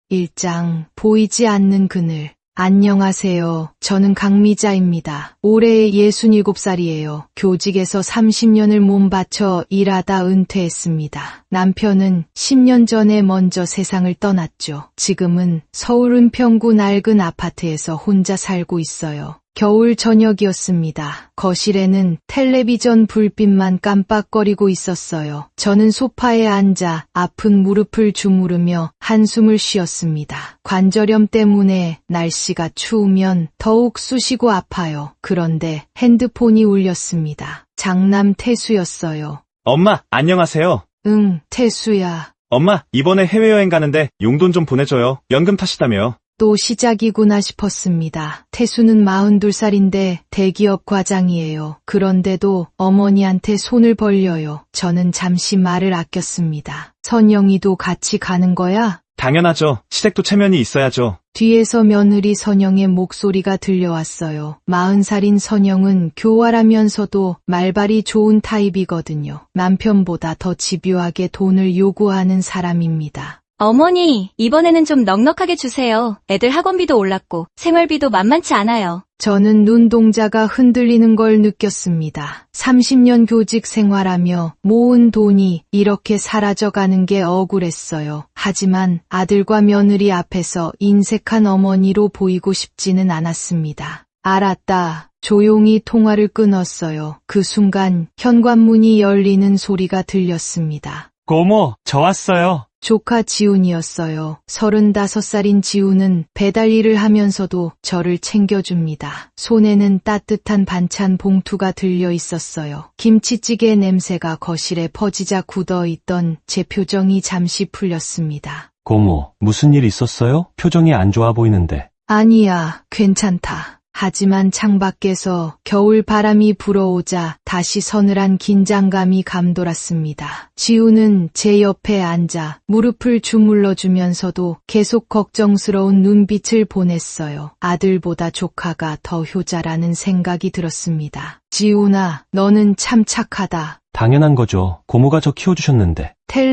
1장 보이지 않는 그늘. 안녕하세요. 저는 강미자입니다. 올해 67살이에요. 교직에서 30년을 몸바쳐 일하다 은퇴했습니다. 남편은 10년 전에 먼저 세상을 떠났죠. 지금은 서울 은평구 낡은 아파트에서 혼자 살고 있어요. 겨울 저녁이었습니다. 거실에는 텔레비전 불빛만 깜빡거리고 있었어요. 저는 소파에 앉아 아픈 무릎을 주무르며 한숨을 쉬었습니다. 관절염 때문에 날씨가 추우면 더욱 쑤시고 아파요. 그런데 핸드폰이 울렸습니다. 장남 태수였어요. 엄마, 안녕하세요. 응, 태수야. 엄마, 이번에 해외여행 가는데 용돈 좀 보내줘요. 연금 탓이다며. 또 시작이구나 싶었습니다. 태수는 42살인데 대기업 과장이에요. 그런데도 어머니한테 손을 벌려요. 저는 잠시 말을 아꼈습니다. 선영이도 같이 가는 거야? 당연하죠. 시댁도 체면이 있어야죠. 뒤에서 며느리 선영의 목소리가 들려왔어요. 40살인 선영은 교활하면서도 말발이 좋은 타입이거든요. 남편보다 더 집요하게 돈을 요구하는 사람입니다. 어머니, 이번에는 좀 넉넉하게 주세요. 애들 학원비도 올랐고 생활비도 만만치 않아요. 저는 눈동자가 흔들리는 걸 느꼈습니다. 30년 교직 생활하며 모은 돈이 이렇게 사라져가는 게 억울했어요. 하지만 아들과 며느리 앞에서 인색한 어머니로 보이고 싶지는 않았습니다. 알았다. 조용히 통화를 끊었어요. 그 순간 현관문이 열리는 소리가 들렸습니다. 고모, 저 왔어요. 조카 지훈이었어요. 35살인 지훈은 배달 일을 하면서도 저를 챙겨줍니다. 손에는 따뜻한 반찬 봉투가 들려 있었어요. 김치찌개 냄새가 거실에 퍼지자 굳어있던 제 표정이 잠시 풀렸습니다. 고모, 무슨 일 있었어요? 표정이 안 좋아 보이는데. 아니야, 괜찮다. 하지만 창밖에서 겨울 바람이 불어오자 다시 서늘한 긴장감이 감돌았습니다. 지우는 제 옆에 앉아 무릎을 주물러 주면서도 계속 걱정스러운 눈빛을 보냈어요. 아들보다 조카가 더 효자라는 생각이 들었습니다. 지훈아, 너는 참 착하다. 당연한 거죠. 고모가 저 키워주셨는데.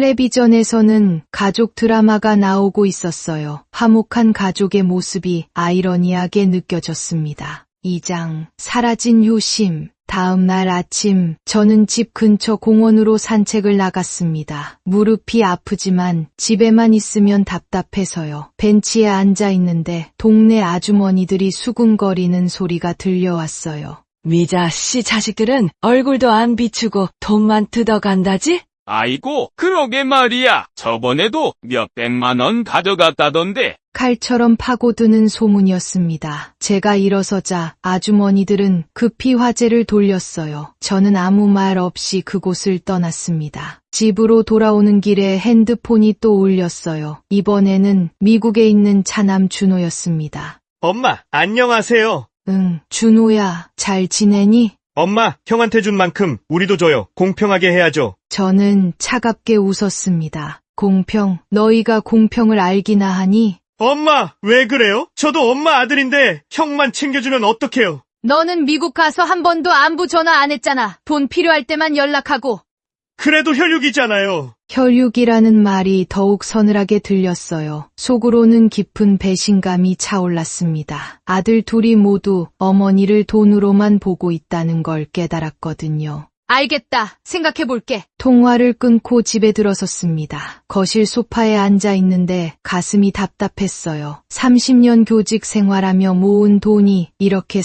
텔레비전에서는 가족 드라마가 나오고 있었어요. 화목한 가족의 모습이 아이러니하게 느껴졌습니다. 2장 사라진 효심. 다음 날 아침 저는 집 근처 공원으로 산책을 나갔습니다. 무릎이 아프지만 집에만 있으면 답답해서요. 벤치에 앉아 있는데 동네 아주머니들이 수군거리는 소리가 들려왔어요. 미자 씨 자식들은 얼굴도 안 비추고 돈만 뜯어간다지? 아이고, 그러게 말이야. 저번에도 몇백만 원 가져갔다던데. 칼처럼 파고드는 소문이었습니다. 제가 일어서자 아주머니들은 급히 화제를 돌렸어요. 저는 아무 말 없이 그곳을 떠났습니다. 집으로 돌아오는 길에 핸드폰이 또 울렸어요. 이번에는 미국에 있는 차남 준호였습니다. 엄마, 안녕하세요. 응, 준호야, 잘 지내니? 엄마, 형한테 준 만큼 우리도 줘요. 공평하게 해야죠. 저는 차갑게 웃었습니다. 공평, 너희가 공평을 알기나 하니? 엄마, 왜 그래요? 저도 엄마 아들인데 형만 챙겨주면 어떡해요? 너는 미국 가서 한 번도 안부 전화 안 했잖아. 돈 필요할 때만 연락하고. 그래도 혈육이잖아요. 혈육이라는 말이 더욱 서늘하게 들렸어요. 속으로는 깊은 배신감이 차올랐습니다. 아들 둘이 모두 어머니를 돈으로만 보고 있다는 걸 깨달았거든요. 알겠다. 생각해볼게. 통화를 끊고 집에 들어섰습니다. 거실 소파에 앉아 있는데 가슴이 답답했어요. 30년 교직 생활하며 모은 돈이 이렇게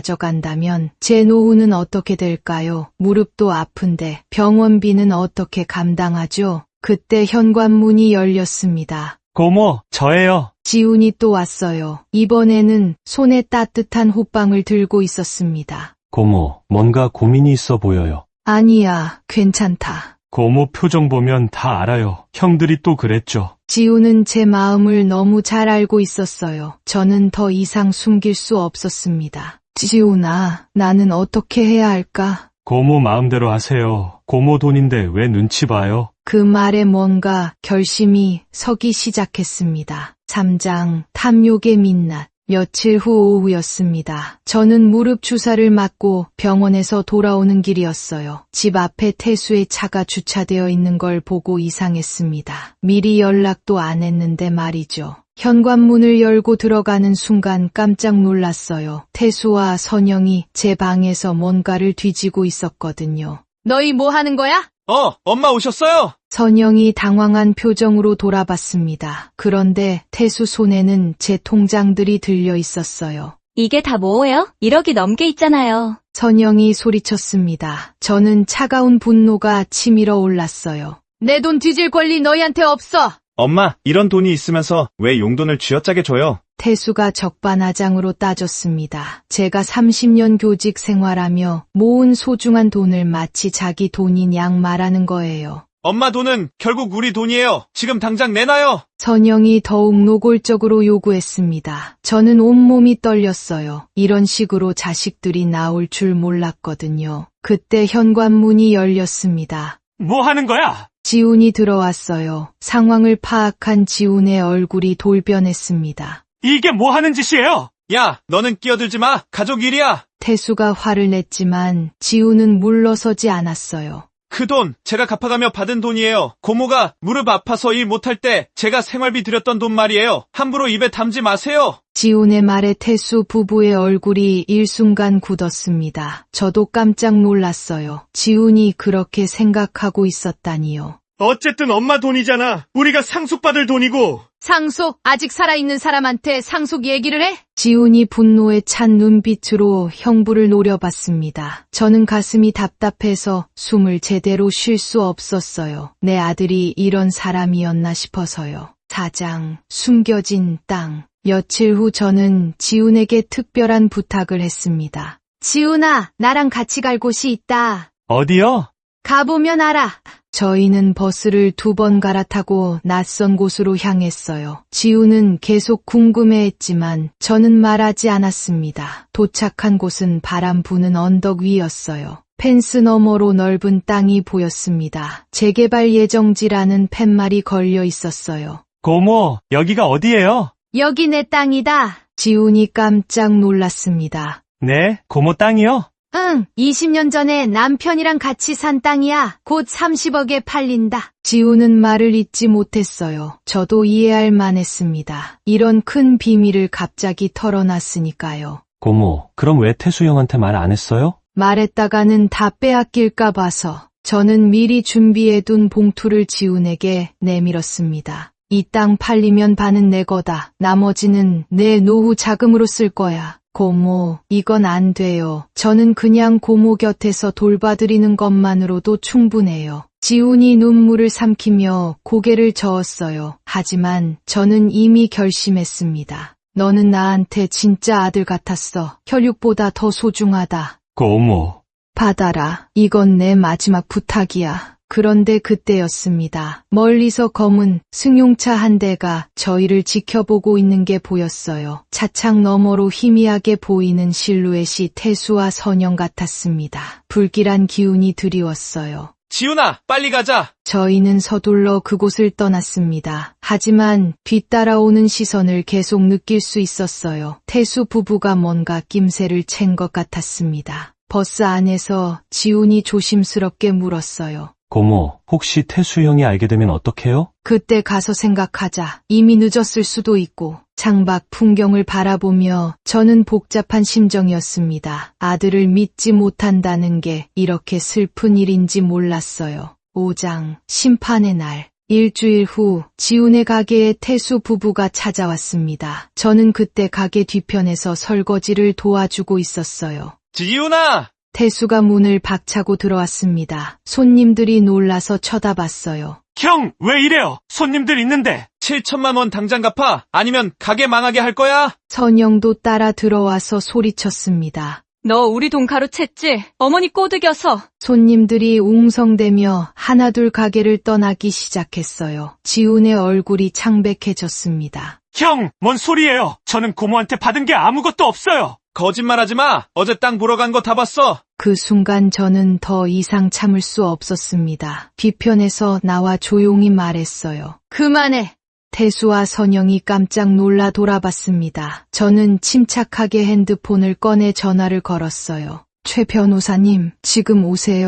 사라져간다면 제 노후는 어떻게 될까요? 무릎도 아픈데 병원비는 어떻게 감당하죠? 그때 현관문이 열렸습니다. 고모, 저예요. 지훈이 또 왔어요. 이번에는 손에 따뜻한 호빵을 들고 있었습니다. 고모, 뭔가 고민이 있어 보여요. 아니야, 괜찮다. 고모 표정 보면 다 알아요. 형들이 또 그랬죠. 지훈은 제 마음을 너무 잘 알고 있었어요. 저는 더 이상 숨길 수 없었습니다. 지훈아, 나는 어떻게 해야 할까? 고모 마음대로 하세요. 고모 돈인데 왜 눈치 봐요? 그 말에 뭔가 결심이 서기 시작했습니다. 3장 탐욕의 민낯. 며칠 후 오후였습니다. 저는 무릎 주사를 맞고 병원에서 돌아오는 길이었어요. 집 앞에 태수의 차가 주차되어 있는 걸 보고 이상했습니다. 미리 연락도 안 했는데 말이죠. 현관문을 열고 들어가는 순간 깜짝 놀랐어요. 태수와 선영이 제 방에서 뭔가를 뒤지고 있었거든요. 너희 뭐 하는 거야? 엄마 오셨어요? 선영이 당황한 표정으로 돌아봤습니다. 그런데 태수 손에는 제 통장들이 들려 있었어요. 이게 다 뭐예요? 1억이 넘게 있잖아요. 선영이 소리쳤습니다. 저는 차가운 분노가 치밀어 올랐어요. 내 돈 뒤질 권리 너희한테 없어! 엄마, 이런 돈이 있으면서 왜 용돈을 쥐어짜게 줘요? 태수가 적반하장으로 따졌습니다. 제가 30년 교직 생활하며 모은 소중한 돈을 마치 자기 돈인 양 말하는 거예요. 엄마 돈은 결국 우리 돈이에요. 지금 당장 내놔요. 선영이 더욱 노골적으로 요구했습니다. 저는 온몸이 떨렸어요. 이런 식으로 자식들이 나올 줄 몰랐거든요. 그때 현관문이 열렸습니다. 뭐 하는 거야? 지훈이 들어왔어요. 상황을 파악한 지훈의 얼굴이 돌변했습니다. 이게 뭐 하는 짓이에요? 야, 너는 끼어들지 마. 가족 일이야. 태수가 화를 냈지만 지훈은 물러서지 않았어요. 그 돈 제가 갚아가며 받은 돈이에요. 고모가 무릎 아파서 일 못할 때 제가 생활비 드렸던 돈 말이에요. 함부로 입에 담지 마세요. 지훈의 말에 태수 부부의 얼굴이 일순간 굳었습니다. 저도 깜짝 놀랐어요. 지훈이 그렇게 생각하고 있었다니요. 어쨌든 엄마 돈이잖아. 우리가 상속받을 돈이고. 상속? 아직 살아있는 사람한테 상속 얘기를 해? 지훈이 분노에 찬 눈빛으로 형부를 노려봤습니다. 저는 가슴이 답답해서 숨을 제대로 쉴 수 없었어요. 내 아들이 이런 사람이었나 싶어서요. 사장, 숨겨진 땅. 며칠 후 저는 지훈에게 특별한 부탁을 했습니다. 지훈아, 나랑 같이 갈 곳이 있다. 어디요? 가보면 알아. 저희는 버스를 2번 갈아타고 낯선 곳으로 향했어요. 지훈은 계속 궁금해했지만 저는 말하지 않았습니다. 도착한 곳은 바람 부는 언덕 위였어요. 펜스 너머로 넓은 땅이 보였습니다. 재개발 예정지라는 팻말이 걸려 있었어요. 고모, 여기가 어디예요? 여기 내 땅이다. 지훈이 깜짝 놀랐습니다. 네, 고모 땅이요? 응, 20년 전에 남편이랑 같이 산 땅이야. 곧 30억에 팔린다. 지훈은 말을 잇지 못했어요. 저도 이해할 만했습니다. 이런 큰 비밀을 갑자기 털어놨으니까요. 고모, 그럼 왜 태수 형한테 말 안 했어요? 말했다가는 다 빼앗길까 봐서. 저는 미리 준비해둔 봉투를 지훈에게 내밀었습니다. 이 땅 팔리면 반은 내 거다. 나머지는 내 노후 자금으로 쓸 거야. 고모, 이건 안 돼요. 저는 그냥 고모 곁에서 돌봐드리는 것만으로도 충분해요. 지훈이 눈물을 삼키며 고개를 저었어요. 하지만 저는 이미 결심했습니다. 너는 나한테 진짜 아들 같았어. 혈육보다 더 소중하다. 고모. 받아라. 이건 내 마지막 부탁이야. 그런데 그때였습니다. 멀리서 검은 승용차 한 대가 저희를 지켜보고 있는 게 보였어요. 차창 너머로 희미하게 보이는 실루엣이 태수와 선영 같았습니다. 불길한 기운이 드리웠어요. 지훈아, 빨리 가자. 저희는 서둘러 그곳을 떠났습니다. 하지만 뒤따라오는 시선을 계속 느낄 수 있었어요. 태수 부부가 뭔가 낌새를 챈 것 같았습니다. 버스 안에서 지훈이 조심스럽게 물었어요. 고모, 혹시 태수 형이 알게 되면 어떡해요? 그때 가서 생각하자. 이미 늦었을 수도 있고. 창밖 풍경을 바라보며 저는 복잡한 심정이었습니다. 아들을 믿지 못한다는 게 이렇게 슬픈 일인지 몰랐어요. 5장 심판의 날. 일주일 후 지훈의 가게에 태수 부부가 찾아왔습니다. 저는 그때 가게 뒤편에서 설거지를 도와주고 있었어요. 지훈아! 태수가 문을 박차고 들어왔습니다. 손님들이 놀라서 쳐다봤어요. 형, 왜 이래요? 손님들 있는데. 7천만 원 당장 갚아. 아니면 가게 망하게 할 거야. 선영도 따라 들어와서 소리쳤습니다. 너 우리 돈 가로챘지? 어머니 꼬드겨서. 손님들이 웅성대며 하나둘 가게를 떠나기 시작했어요. 지훈의 얼굴이 창백해졌습니다. 형, 뭔 소리예요? 저는 고모한테 받은 게 아무것도 없어요. 거짓말하지 마. 어제 땅 보러 간 거 다 봤어. 그 순간 저는 더 이상 참을 수 없었습니다. 뒤편에서 나와 조용히 말했어요. 그만해. 태수와 선영이 깜짝 놀라 돌아봤습니다. 저는 침착하게 핸드폰을 꺼내 전화를 걸었어요. 최 변호사님, 지금 오세요.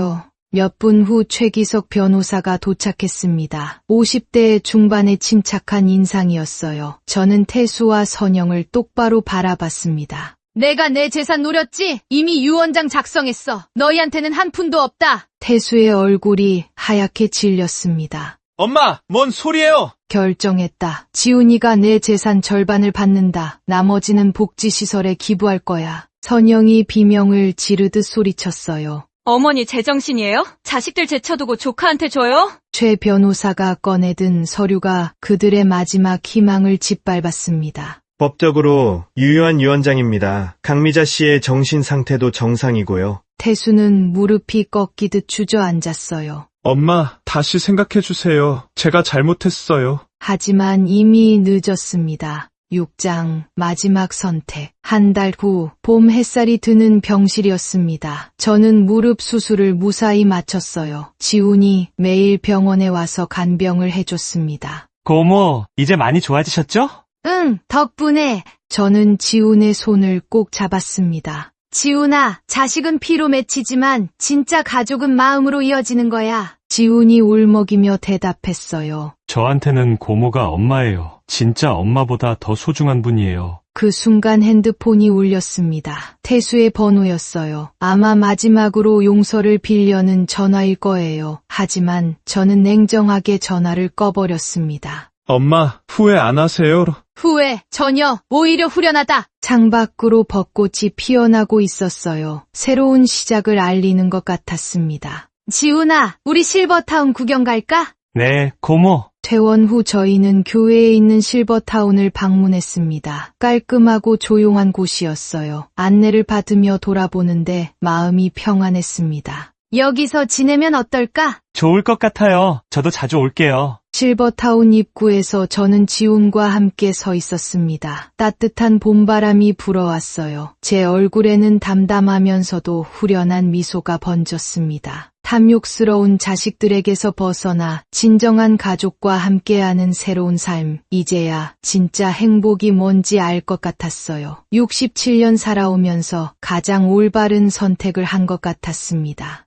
몇 분 후 최기석 변호사가 도착했습니다. 50대 중반의 침착한 인상이었어요. 저는 태수와 선영을 똑바로 바라봤습니다. 내가 내 재산 노렸지? 이미 유언장 작성했어. 너희한테는 한 푼도 없다. 태수의 얼굴이 하얗게 질렸습니다. 엄마, 뭔 소리예요? 결정했다. 지훈이가 내 재산 절반을 받는다. 나머지는 복지시설에 기부할 거야. 선영이 비명을 지르듯 소리쳤어요. 어머니 제정신이에요? 자식들 제쳐두고 조카한테 줘요? 최 변호사가 꺼내든 서류가 그들의 마지막 희망을 짓밟았습니다. 법적으로 유효한 유언장입니다. 강미자 씨의 정신 상태도 정상이고요. 태수는 무릎이 꺾이듯 주저앉았어요. 엄마, 다시 생각해주세요. 제가 잘못했어요. 하지만 이미 늦었습니다. 6장 마지막 선택. 한 달 후 봄 햇살이 드는 병실이었습니다. 저는 무릎 수술을 무사히 마쳤어요. 지훈이 매일 병원에 와서 간병을 해줬습니다. 고모, 이제 많이 좋아지셨죠? 응, 덕분에. 저는 지훈의 손을 꼭 잡았습니다. 지훈아, 자식은 피로 맺히지만 진짜 가족은 마음으로 이어지는 거야. 지훈이 울먹이며 대답했어요. 저한테는 고모가 엄마예요. 진짜 엄마보다 더 소중한 분이에요. 그 순간 핸드폰이 울렸습니다. 태수의 번호였어요. 아마 마지막으로 용서를 빌려는 전화일 거예요. 하지만 저는 냉정하게 전화를 꺼버렸습니다. 엄마, 후회 안 하세요? 후회 전혀, 오히려 후련하다. 창밖으로 벚꽃이 피어나고 있었어요. 새로운 시작을 알리는 것 같았습니다. 지훈아, 우리 실버타운 구경 갈까? 네, 고모. 퇴원 후 저희는 교회에 있는 실버타운을 방문했습니다. 깔끔하고 조용한 곳이었어요. 안내를 받으며 돌아보는데 마음이 평안했습니다. 여기서 지내면 어떨까? 좋을 것 같아요. 저도 자주 올게요. 실버타운 입구에서 저는 지훈과 함께 서 있었습니다. 따뜻한 봄바람이 불어왔어요. 제 얼굴에는 담담하면서도 후련한 미소가 번졌습니다. 탐욕스러운 자식들에게서 벗어나 진정한 가족과 함께하는 새로운 삶. 이제야 진짜 행복이 뭔지 알 것 같았어요. 67년 살아오면서 가장 올바른 선택을 한 것 같았습니다.